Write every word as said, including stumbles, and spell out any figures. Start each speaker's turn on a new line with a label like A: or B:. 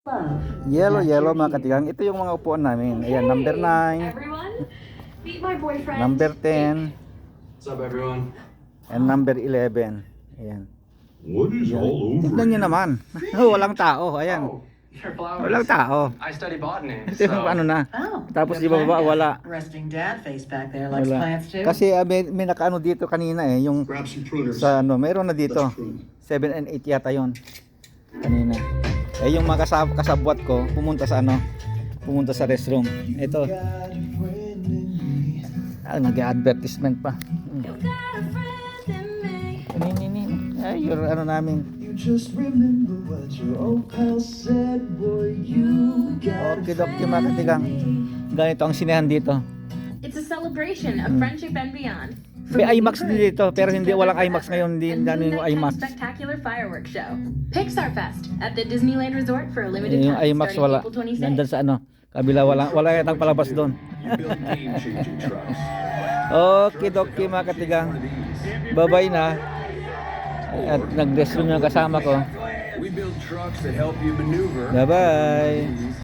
A: Yellow, yellow mga katigang. Ito yung mga upuan namin. Ayan, number nine, number ten,
B: What's up, everyone?
A: and number eleven. Ayan.
C: What is all over?
A: Tignan nyo naman. Walang tao. Ayan.
B: Oh, your flowers.
A: Walang tao.
B: I study botany.
A: Ito yung
B: so-
A: ano na.
D: Oh,
A: Tapos
D: good
A: di ba baba,
D: plant
A: wala.
D: dad. Resting dad face back there likes
A: Wala.
D: plants too.
A: Kasi ah, may, may nakaano dito kanina eh. Yung
C: Grab some pruners.
A: sa ano, mayroon na dito.
C: Let's prune.
A: seven and eight yata yon kanina. Eh yung mga kasab kasabwat ko pumunta sa ano, pumunta sa restroom. Ito. Ah, nag-advertisement pa. Hmm. Nini, ay, yung ano namin.
E: Just remember what your old pal said, boy, you got
A: Okay, Dok, yung mga katigang. Ganito ang sinehan dito.
F: It's a celebration of friendship and beyond.
A: May IMAX din dito, pero hindi walang IMAX ngayon, hindi
F: And
A: ano yung
F: Moon Knight
A: IMAX.
F: Spectacular Fireworks Show. Pixar Fest at the Disneyland Resort for a limited
A: Yung
F: time
A: IMAX
F: starting
A: wala.
F: April twenty-sixth.
A: Nandun sa ano, kabila wala, wala yatang palabas doon.
C: You build game-changing trucks.
A: Okay, Doki mga katigang. Bye-bye na. At nag-restroom yung kasama ko.
B: We build trucks that help you maneuver.
A: Bye-bye.